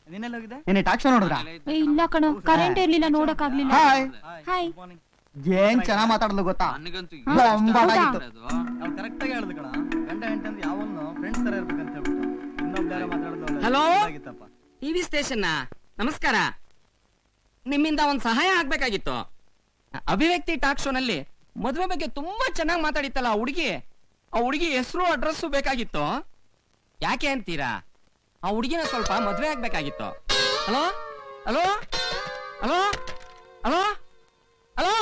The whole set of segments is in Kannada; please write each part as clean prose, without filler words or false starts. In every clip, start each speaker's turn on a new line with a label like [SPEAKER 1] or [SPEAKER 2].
[SPEAKER 1] ನೀನೆಲ್ಲ ಹೋಗಿದ್ದೆ?
[SPEAKER 2] ನೀನೆ ಟಾಕ್ ಶೋ ನೋಡಿದ್ರಾ?
[SPEAKER 3] ಇಲ್ಲ ಕಣೋ, ಕರೆಂಟ್ ಇರ್ಲಿಲ್ಲ, ನೋಡಕ್ ಆಗ್ಲಿಲ್ಲ. ಹಾಯ್.
[SPEAKER 2] ಏನ್ ಚೆನ್ನಾಗ್ ಮಾತಾಡಲು ಗೊತ್ತಾ?
[SPEAKER 1] ನಾವು ಕರೆಕ್ಟ್ ಆಗಿ ಹೇಳಿದ್ ಕಣ, ಗಂಡ ಹೆಂಡತಿ ಯಾವನು ಫ್ರೆಂಡ್ಸ್ ತರ ಇರ್ಬೇಕಂತ ಹೇಳ್ಬಿಟ್ಟು ಇನ್ನೊಬ್ರು ಮಾತಾಡೋದು.
[SPEAKER 4] ಹಲೋ ಟಿವಿ ಸ್ಟೇಷನ್, ನಮಸ್ಕಾರ. ನಿಮ್ಮಿಂದ ಒಂದ್ ಸಹಾಯ ಆಗ್ಬೇಕಾಗಿತ್ತು. ಅಭಿವ್ಯಕ್ತಿ ಟಾಕ್ ಶೋ ನಲ್ಲಿ ಮದುವೆ ಬಗ್ಗೆ ತುಂಬಾ ಚೆನ್ನಾಗಿ ಮಾತಾಡಿತ್ತಲ್ಲ ಆ ಹುಡುಗಿ ಹೆಸರು ಅಡ್ರೆಸ್ ಬೇಕಾಗಿತ್ತು. ಯಾಕೆ ಅಂತೀರಾ? ಆ ಹುಡುಗಿನ ಸ್ವಲ್ಪ ಮದುವೆ ಆಗ್ಬೇಕಾಗಿತ್ತು. Hello hello hello hello hello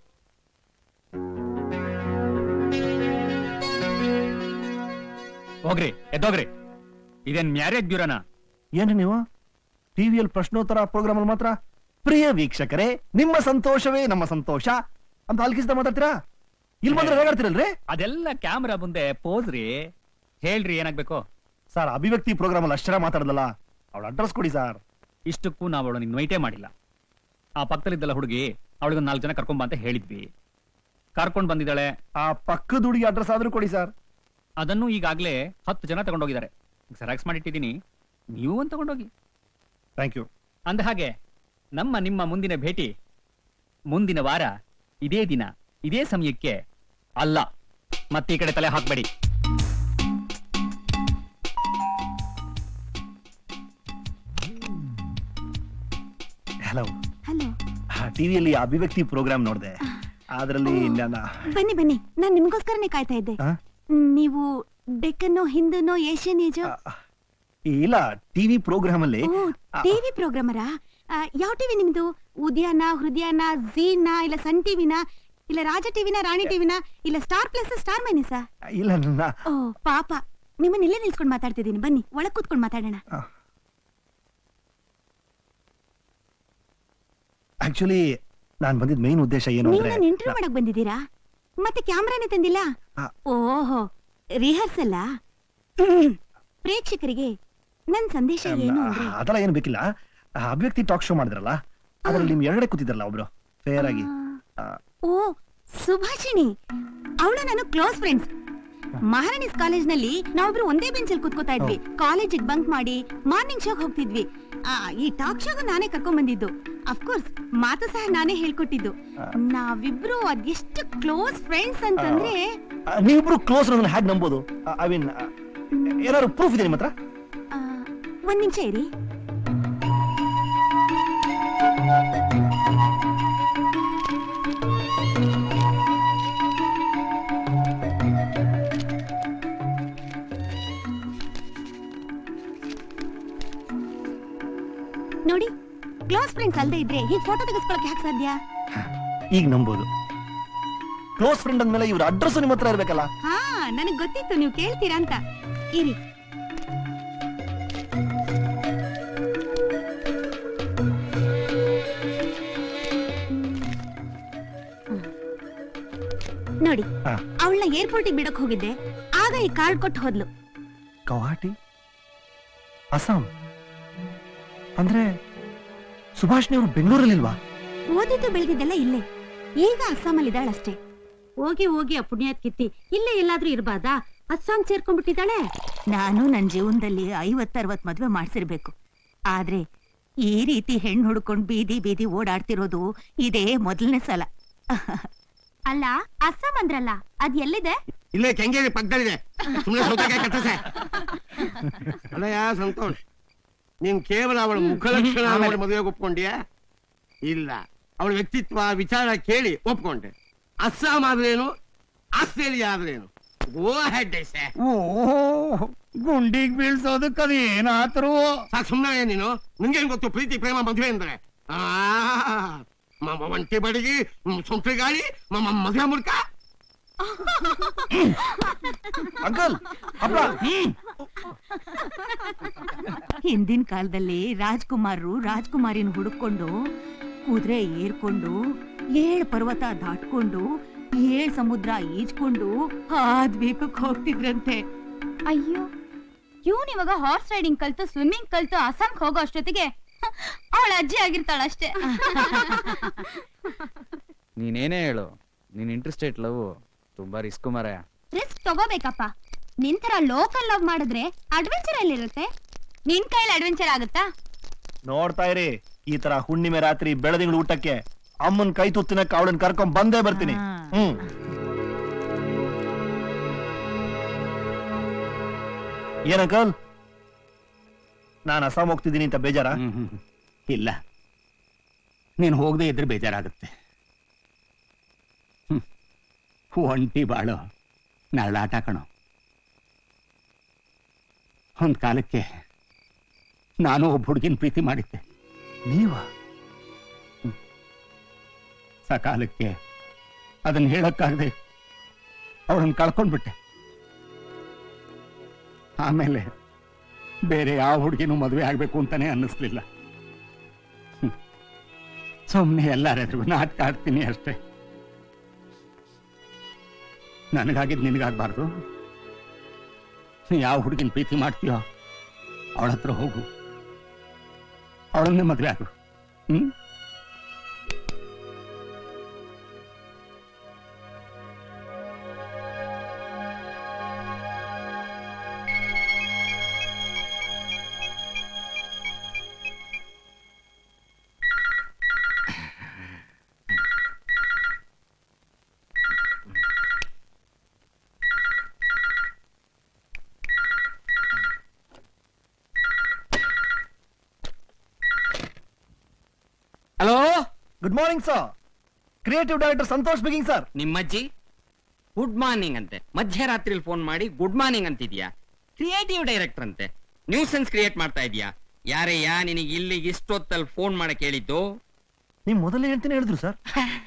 [SPEAKER 5] ಹೋಗ್ರಿ, ಎದ್ದೋಗ್ರಿ. ಇದೇನ್ ಮ್ಯಾರೇಜ್ ಬ್ಯೂರೋನಾ?
[SPEAKER 6] ಏನ್ರಿ ನೀವು ಟಿವಿಯಲ್ಲಿ ಪ್ರಶ್ನೋತ್ತರ ಪ್ರೋಗ್ರಾಮ್ ಅಲ್ಲಿ ಮಾತ್ರ ಪ್ರಿಯ ವೀಕ್ಷಕರೇ ನಿಮ್ಮ ಸಂತೋಷವೇ ನಮ್ಮ ಸಂತೋಷ ಅಂತ ಅಲ್ಕಿಸ್ದ ಮಾತಾಡ್ತೀರಾ? ಇಲ್ಲಿ ಬಂದ್ರೆ ಹೇಗಾಡ್ತಿರಲ್ರಿ?
[SPEAKER 5] ಅದೆಲ್ಲ ಕ್ಯಾಮ್ರಾ ಮುಂದೆ ಪೋಸ್ರಿ. ಹೇಳ್ರಿ, ಏನಾಗ್ಬೇಕು?
[SPEAKER 6] ಸರ್, ಅಭಿವ್ಯಕ್ತಿ ಪ್ರೋಗ್ರಾಮ್ ಅಲ್ಲಿ ಅಷ್ಟರ ಮಾತಾಡದಲ್ಲ, ಅವಳ ಅಡ್ರೆಸ್ ಕೊಡಿ ಸರ್.
[SPEAKER 5] ಇಷ್ಟಕ್ಕೂ ನಾವು ಅವಳು ನಿನ್ ವೈಟೇ ಮಾಡಿಲ್ಲ. ಆ ಪಕ್ಕದಲ್ಲಿದ್ದಲ್ಲ ಹುಡುಗಿ, ಅವಳಿಗೊಂದು 4 ಜನ ಕರ್ಕೊಂಡ್ ಬಾ ಅಂತ ಹೇಳಿದ್ವಿ. ಕರ್ಕೊಂಡ್ ಬಂದಿದ್ದಾಳೆ.
[SPEAKER 6] ಆ ಪಕ್ಕದ ಹುಡುಗಿ ಅಡ್ರೆಸ್ ಆದ್ರೂ ಕೊಡಿ ಸರ್.
[SPEAKER 5] ಅದನ್ನು ಈಗಾಗ್ಲೇ 10 ಜನ ತಗೊಂಡೋಗಿದ್ದಾರೆ. ಜೆರಾಕ್ಸ್ ಮಾಡಿಟ್ಟಿದ್ದೀನಿ, ನೀವು ಒಂದು ತಗೊಂಡೋಗಿ.
[SPEAKER 6] Thank you.
[SPEAKER 5] ಅಂದ ಹಾಗೆ ನಿಮ್ಮ ಮುಂದಿನ ಭೇಟಿ ಮುಂದಿನ ವಾರ ಇದೇ ದಿನ ಇದೇ ಸಮಯಕ್ಕೆ ಅಲ್ಲ. ಮತ್ತೆ ಈ ಕಡೆ ತಲೆ ಹಾಕ್ಬೇಡಿ.
[SPEAKER 6] ಹಲೋ.
[SPEAKER 3] ಹಲೋ.
[SPEAKER 6] ಟಿವಿಯಲ್ಲಿ ಅಭಿವ್ಯಕ್ತಿ ಪ್ರೋಗ್ರಾಮ್ ನೋಡಿದೆ. ಅದರಲ್ಲಿ
[SPEAKER 3] ಬನ್ನಿ, ನಾನ್ ನಿಮ್ಗೋಸ್ಕರನೇ ಕಾಯ್ತಾ ಇದ್ದೆ. ನೀವು ಡೆಕ್ಕನ್ನೋ, ಹಿಂದನೋ, ಏಷ್ಯನ್ ಏಜೋ?
[SPEAKER 6] ಇಲ್ಲ, ಟಿವಿ ಪ್ರೋಗ್ರಾಮ್ ಅಲ್ಲಿ.
[SPEAKER 3] ಟಿವಿ ಪ್ರೋಗ್ರಾಮರಾ? ಯಾವ ಟಿವಿ ನಿಮ್ದು? ಉದಯನ, ಹೃದಯನ, ಝೀನ, ಇಲ್ಲ ಸನ್ ಟಿವಿನ, ಇಲ್ಲ ರಾಜ ಟಿವಿನ, ರಾಣಿ ಟಿವಿನ, ಇಲ್ಲ ಸ್ಟಾರ್ ಪ್ಲಸ್, ಸ್ಟಾರ್ ಮೈನಸಾ?
[SPEAKER 6] ಇಲ್ಲ.
[SPEAKER 3] ಓ ಪಾಪ, ನಿಮ್ಮನ್ನ ಇಲ್ಲೇ ನಿಲ್ಸ್ಕೊಂಡು ಮಾತಾಡ್ತಿದ್ದೀನಿ. ಬನ್ನಿ, ಒಳಗ್ ಕೂತ್ಕೊಂಡು ಮಾತಾಡೋಣ.
[SPEAKER 6] ಆಕ್ಚುಲಿ ನಾನ್ ಬಂದಿದ್ ಮೇನ್ ಉದ್ದೇಶ ಏನು ಅಂದ್ರೆ,
[SPEAKER 3] ನೀವು ಇಂಟರ್ವ್ಯೂ ಮಾಡಕ್ ಬಂದಿದ್ದೀರಾ? ಮತ್ತೆ ಕ್ಯಾಮ್ರಾನೇ ತಂದಿಲ್ಲ? ಓಹೋ, ರಿಹರ್ಸಲ್? ಪ್ರೇಕ್ಷಕರಿಗೆ ನನ್ ಸಂದೇಶ ಏನು ಅಂದ್ರೆ,
[SPEAKER 6] ಅದೆಲ್ಲ ಏನು ಬೇಕಿಲ್ಲ. ಅಭಿವ್ಯಕ್ತಿ ಟಾಕ್ ಶೋ ಮಾಡಿದ್ರಲ್ಲ, ಅದ್ರಲ್ಲಿ ನಿಮ್ ಎರಗಡೆ ಕೂತಿದ್ರಲ್ಲ ಒಬ್ರು, ಫೇರ್ ಆಗಿ.
[SPEAKER 3] ಓ, ಸುಭಾಷಿಣಿ. ಅವಳು ನಾನು ಕ್ಲೋಸ್ ಫ್ರೆಂಡ್ಸ್. ಮಹಾರಾಣಿಸ್ ಕಾಲೇಜ್ ನಲ್ಲಿ ನಾವೊಬ್ರು ಒಂದೇ ಬೆಂಚ್ ಅಲ್ಲಿ ಕೂತ್ಕೋತಾ ಇದ್ವಿ. ಕಾಲೇಜಿಗೆ ಬಂಕ್ ಮಾಡಿ ಮಾರ್ನಿಂಗ್ ಶೋಗ್ ಹೋಗ್ತಿದ್ವಿ. ಈ ಟಾಕ್ ಶೋಗ ನಾನೇ ಕರ್ಕೊಂಡ್ ಬಂದಿದ್ದು. ಅಫ್ಕೋರ್ಸ್ ಮಾತು ಸಹ ನಾನೇ ಹೇಳ್ಕೊಟ್ಟಿದ್ದು. ನಾವಿಬ್ರು ಅದೆಷ್ಟು ಕ್ಲೋಸ್ ಫ್ರೆಂಡ್ಸ್ ಅಂತಂದ್ರೆ.
[SPEAKER 6] ನೀವಿಬ್ರು ಕ್ಲೋಸ್ ಅನ್ನೋದನ್ನ ಹ್ಯಾಗ್ ನಂಬೋದು? ಐ ಮೀನ್, ಏನಾದ್ರು ಪ್ರೂಫ್ ಇದೆ ನಿಮ್ಮ ಹತ್ರ?
[SPEAKER 3] ಒಂದ್ ನಿಮಿಷ ಇರಿ. ನೋಡಿ, ಕ್ಲೋಸ್ ಫ್ರೆಂಡ್ಸ್ ಅಲ್ಲದೆ ಇದ್ರೆ ಹೀಗೆ ಫೋಟೋ ತೆಗೆಸ್ಕೊಳಕ್ಕೆ ಯಾಕೆ ಸಾಧ್ಯ?
[SPEAKER 6] ಈಗ ನಂಬೋದು. ಕ್ಲೋಸ್ ಫ್ರೆಂಡ್ ಅಂದ್ಮೇಲೆ ಇವ್ರ ಅಡ್ರೆಸ್ ನಿಮ್ಮ ಹತ್ರ ಇರ್ಬೇಕಲ್ಲ?
[SPEAKER 3] ಹಾ, ನನಗ್ ಗೊತ್ತಿತ್ತು ನೀವು ಕೇಳ್ತೀರಾ ಅಂತ. ಇರಿ. ನೋಡಿ, ಅವಳನ್ನ ಏರ್ಪೋರ್ಟಿಗೆ ಬಿಡಕ್ ಹೋಗಿದ್ದೆ. ಆಗ ಈ ಕಾರ್ಡ್ ಕೊಟ್ಟು ಹೋದ್ಲು.
[SPEAKER 6] ಗೌಹಾಟಿ, ಅಸ್ಸಾಂ ಅಂದ್ರೆ ಸುಭಾಷ್ನಿ ಅವರು ಬೆಂಗಳೂರಲ್ಲಿಲ್ವಾ?
[SPEAKER 3] ಓದಿದ್ದು ಬೆಳೆದಿದ್ದೆಲ್ಲ ಇಲ್ಲೇ. ಈಗ ಅಸ್ಸಾಮಲ್ಲಿ ಇದ್ದಾಳಷ್ಟೇ. ಹೋಗಿ ಹೋಗಿ ಆ ಪುಣ್ಯಾತ್ ಕಿತ್ತಿ ಇಲ್ಲೇ ಎಲ್ಲಾದ್ರೂ ಇರ್ಬಾರ್ದಾ? ಅಸ್ಸಾಂ ಸೇರ್ಕೊಂಡ್ಬಿಟ್ಟಿದ್ದಾಳೆ. ನಾನು ನನ್ನ ಜೀವನದಲ್ಲಿ 50-60 ಮದ್ವೆ ಮಾಡ್ಸಿರ್ಬೇಕು. ಆದ್ರೆ ಈ ರೀತಿ ಹೆಣ್ಣು ಹುಡ್ಕೊಂಡ್ ಬೀದಿ ಬೀದಿ ಓಡಾಡ್ತಿರೋದು ಇದೇ ಮೊದಲನೇ ಸಲ. ಅಲ್ಲ, ಅಸ್ಸಾಂ ಅಂದ್ರಲ್ಲ, ಅದ್ ಎಲ್ಲಿದೆ?
[SPEAKER 7] ಇಲ್ಲೇ ಕೆಂಗೇರಿ ಪಕ್ಕದಲ್ಲಿದೆ. ಸುಮ್ಮನೆ ಸೌತೆಕಾಯಿ ಕಟ್ಟಸೆ. ಅಲ್ಲಯ್ಯ ಸಂತೋಷ್, ನೀನ್ ಕೇವಲ ಅವಳ ಮುಖಲಕ್ಷಣ ನೋಡಿ ಮದುವೆಗೆ ಒಪ್ಕೊಂಡ್ಯಾ? ಇಲ್ಲ, ಅವಳ ವ್ಯಕ್ತಿತ್ವ ವಿಚಾರ ಕೇಳಿ ಒಪ್ಕೊಂಡೆ. ಅಸ್ಸಾಂ ಆದ್ರೇನು, ಆಸ್ಟ್ರೇಲಿಯಾ ಆದ್ರೇನು? ಗೋ ಹೆಡ್.
[SPEAKER 2] ಗುಂಡಿಗ್ ಬೀಳ್ಸೋದಕ್ಕದು ಏನಾದ್ರು
[SPEAKER 7] ಸಾಕು, ಸುಮ್ಮನೆ ನೀನು. ನಿಂಗೇನ್ ಗೊತ್ತು ಪ್ರೀತಿ ಪ್ರೇಮ ಮದುವೆ ಅಂದ್ರೆ? ಒಂಟಿ ಬಡಿಗಿ, ಸೊಂಟಿ ಗಾಳಿ, ಮದುವೆ ಮುಲ್ಕ.
[SPEAKER 6] ಅಂಕಲ್,
[SPEAKER 3] ಹಿಂದಿನ ಕಾಲದಲ್ಲಿ ರಾಜ್ಕುಮಾರರು ರಾಜ್ಕುಮಾರಿನ ಹುಡುಕೊಂಡು ಕುದುರೆ ಏರ್ಕೊಂಡು 7 ಪರ್ವತ ದಾಟ್ಕೊಂಡು 7 ಸಮುದ್ರ ಈಜ್ಕೊಂಡು ಆ ದ್ವೀಪಕ್ಕೆ ಹೋಗ್ತಿದ್ರಂತೆ.
[SPEAKER 8] ಅಯ್ಯೋ, ಇವನ್ ಇವಾಗ ಹಾರ್ಸ್ ರೈಡಿಂಗ್ ಕಲ್ತು ಸ್ವಿಮ್ಮಿಂಗ್ ಕಲ್ತು ಅಸ್ಸಾಂಗೆ ಹೋಗೋ ಅಷ್ಟೊತ್ತಿಗೆ ಅವಳ ಅಜ್ಜಿ ಆಗಿರ್ತಾಳಷ್ಟೇ.
[SPEAKER 1] ನೀನೇನೇ ಹೇಳು, ನೀನ್ ಇಂಟ್ರೆಸ್ಟೆಡ್ ಲವ್ ತುಂಬಾ ರಿಸ್ಕ್ ಮಾರಾಯ.
[SPEAKER 8] ರಿಸ್ಕ್ ತಗೋಬೇಕಪ್ಪ. ನಿನ್ ತರ ಲೋಕಲ್ ಲವ್ ಮಾಡಿದ್ರೆ ಅಡ್ವೆಂಚರ್ ಎಲ್ಲಿರುತ್ತೆ? ನಿನ್ ಕೈಯಲ್ಲಿ ಅಡ್ವೆಂಚರ್ ಆಗುತ್ತಾ?
[SPEAKER 6] ನೋಡ್ತಾ ಇರಿ, ಈ ತರ ಹುಣ್ಣಿಮೆ ರಾತ್ರಿ ಬೆಳದಿಂಗಳು ಊಟಕ್ಕೆ ಅಮ್ಮನ್ ಕೈ ತುತ್ತಿನಕ್ಕೆ ಅವಳನ್ನ ಕರ್ಕೊಂಡ್ ಬಂದೇ ಬರ್ತೀನಿ. ಏನಂಕಲ್, ನಾನು ಅಸ್ಸಾಂ ಹೋಗ್ತಿದ್ದೀನಿ ಅಂತ ಬೇಜಾರ?
[SPEAKER 7] ಇಲ್ಲ, ನೀನು ಹೋಗದೆ ಇದ್ರೆ ಬೇಜಾರಾಗುತ್ತೆ. ಒಂಟಿ ಬಾಳು ನರಳಾಟ ಕಣೋ. ಒಂದ್ ಕಾಲಕ್ಕೆ ನಾನು ಒಬ್ಬ ಹುಡುಗಿನ ಪ್ರೀತಿ ಮಾಡಿದ್ದೆ.
[SPEAKER 6] ನೀವ?
[SPEAKER 7] ಸಕಾಲಕ್ಕೆ ಅದನ್ನ ಹೇಳಕ್ಕಾಗದೆ ಅವಳನ್ನ ಕಳ್ಕೊಂಡ್ಬಿಟ್ಟೆ. ಆಮೇಲೆ ಬೇರೆ ಯಾವ ಹುಡುಗಿನೂ ಮದುವೆ ಆಗ್ಬೇಕು ಅಂತಾನೆ ಅನ್ನಿಸ್ಲಿಲ್ಲ. ಸುಮ್ಮನೆ ಎಲ್ಲಾರೆದ್ರಿಗೂ ನಾಟಕ ಆಡ್ತೀನಿ ಅಷ್ಟೇ. ನನಗಾಗಿದ್ದು ನಿನಗಾಗಬಾರ್ದು. ಯಾವ ಹುಡುಗಿನ ಪ್ರೀತಿ ಮಾಡ್ತೀಯೋ ಅವಳ ಹತ್ರ ಹೋಗು, ಅವಳನ್ನೇ ಮದುವೆ ಆಗು.
[SPEAKER 4] Hello,
[SPEAKER 6] good morning sir. Creative director Santosh speaking sir.
[SPEAKER 4] ನಿಮ್ಮಜ್ಜಿ ಗುಡ್ ಮಾರ್ನಿಂಗ್ ಅಂತೆ, ಮಧ್ಯರಾತ್ರಿಲಿ ಫೋನ್ ಮಾಡಿ ಗುಡ್ ಮಾರ್ನಿಂಗ್ ಅಂತಿದ್ಯಾ? ಕ್ರಿಯೇಟಿವ್ ಡೈರೆಕ್ಟರ್ ಅಂತೆ, ನ್ಯೂಸೆನ್ಸ್ ಕ್ರಿಯೇಟ್ ಮಾಡ್ತಾ ಇದೀಯಾ? ಯಾರಯ್ಯ ನಿನಗೆ ಇಲ್ಲಿಗೆ ಇಷ್ಟೊತ್ತಲ್ಲಿ ಫೋನ್ ಮಾಡಕ್ ಹೇಳಿದ್ದು?
[SPEAKER 6] ನಿಮ್ ಮೊದಲೇ ಹೇಳ್ತೀನಿ ಹೇಳಿದ್ರು ಸರ್.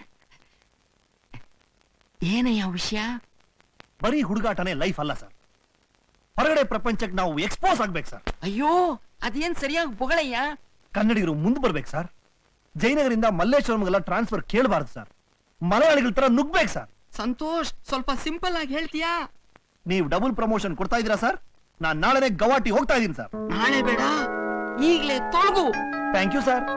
[SPEAKER 4] ಏನಯ್ಯ ವಿಷಯ?
[SPEAKER 6] ಬರೀ ಹುಡುಗಾಟನೇ ಲೈಫ್ ಅಲ್ಲ ಸರ್. ಹೊರಗಡೆ ಪ್ರಪಂಚಕ್ಕೆ ನಾವು ಎಕ್ಸ್ಪೋಸ್ ಆಗ್ಬೇಕು ಸರ್.
[SPEAKER 4] ಅಯ್ಯೋ, ಅದೇನ್ ಸರಿಯಾಗಿ ಬೊಗಳಯ್ಯ.
[SPEAKER 6] ಕನ್ನಡಿಗರು ಮುಂದೆ ಬರ್ಬೇಕು ಸರ್. ಜಯನಗರಿಂದ ಮಲ್ಲೇಶ್ವರಂಗೆಲ್ಲ ಟ್ರಾನ್ಸ್ಫರ್ ಕೇಳಬಾರ್ದು ಸರ್. ಮಲಯಾಳಿಗಳ ತರ ನುಗ್ಬೇಕು ಸರ್.
[SPEAKER 4] ಸಂತೋಷ್, ಸ್ವಲ್ಪ ಸಿಂಪಲ್ ಆಗಿ ಹೇಳ್ತೀಯಾ?
[SPEAKER 6] ನೀವು ಡಬಲ್ ಪ್ರಮೋಷನ್ ಕೊಡ್ತಾ ಇದೀರಾ ಸರ್? ನಾನ್ ನಾಳೆನೆ ಗವಾಟಿ ಹೋಗ್ತಾ ಇದೀನಿ ಸರ್.
[SPEAKER 4] ನಾಳೆ ಬೇಡ, ಈಗ್ಲೇ ತೊಳಗು.
[SPEAKER 6] Thank you sir.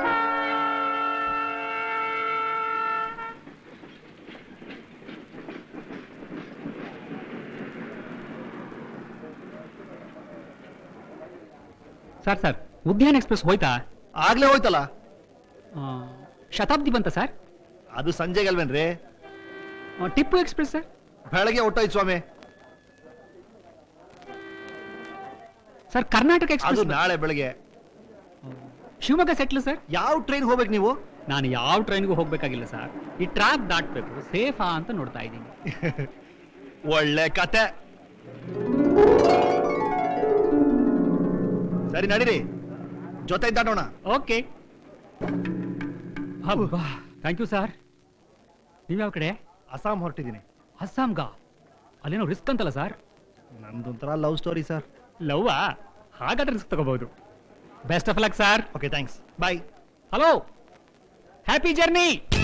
[SPEAKER 5] Sir sir, Udyan express ಹೋಯ್ತಾ?
[SPEAKER 6] ಆಗ್ಲೇ ಹೋಯ್ತಲ್ಲ.
[SPEAKER 5] ಶತಾಬ್ದಿ ಬಂತ ಸರ್?
[SPEAKER 6] ಅದು ಸಂಜೆಗಲ್ವೇನ್ರಿ?
[SPEAKER 5] Tipu express sir?
[SPEAKER 6] ಬೆಳಗ್ಗೆ ಹೊಟ್ಟೋಯ್ತು ಸ್ವಾಮಿ.
[SPEAKER 5] ಸರ್ ಕರ್ನಾಟಕ
[SPEAKER 6] ಅದು
[SPEAKER 5] ಎಕ್ಸ್ಪ್ರೆಸ್
[SPEAKER 6] ನಾಳೆ ಬೆಳಗ್ಗೆ.
[SPEAKER 5] Shivamogga settle sir?
[SPEAKER 6] ಯಾವ ಟ್ರೈನ್ ಹೋಗ್ಬೇಕು ನೀವು?
[SPEAKER 5] ನಾನು ಯಾವ ಟ್ರೈನ್ಗೂ ಹೋಗ್ಬೇಕಾಗಿಲ್ಲ ಸರ್, ಈ ಟ್ರ್ಯಾಕ್ ದಾಟ್ಬೇಕು. ಸೇಫಾ ಅಂತ ನೋಡ್ತಾ ಇದ್ದೀನಿ.
[SPEAKER 6] ಒಳ್ಳೆ ಕತೆ. ಸರಿ ನಡೀರಿ, ಜೊತೆ ದಾಟೋಣ.
[SPEAKER 5] ಓಕೆ. ಹಬ್ಬಾ, ಥ್ಯಾಂಕ್ ಯು ಸರ್. ನೀವ್ಯಾವ ಕಡೆ?
[SPEAKER 6] ಅಸ್ಸಾಂ ಹೊರಟಿದ್ದೀನಿ.
[SPEAKER 5] ಅಸ್ಸಾಂಗ? ಅಲ್ಲೇನೋ ರಿಸ್ಕ್ ಅಂತಲ್ಲ ಸರ್?
[SPEAKER 6] ನಮ್ದೊಂಥರ ಲವ್ ಸ್ಟೋರಿ ಸರ್.
[SPEAKER 5] ಲವ್ವಾ? ಹಾಗಾದ್ರೆ ರಿಸ್ಕ್ ತಗೋಬಹುದು. Best of luck sir.
[SPEAKER 6] Okay, thanks. Bye.
[SPEAKER 5] Hello, happy journey.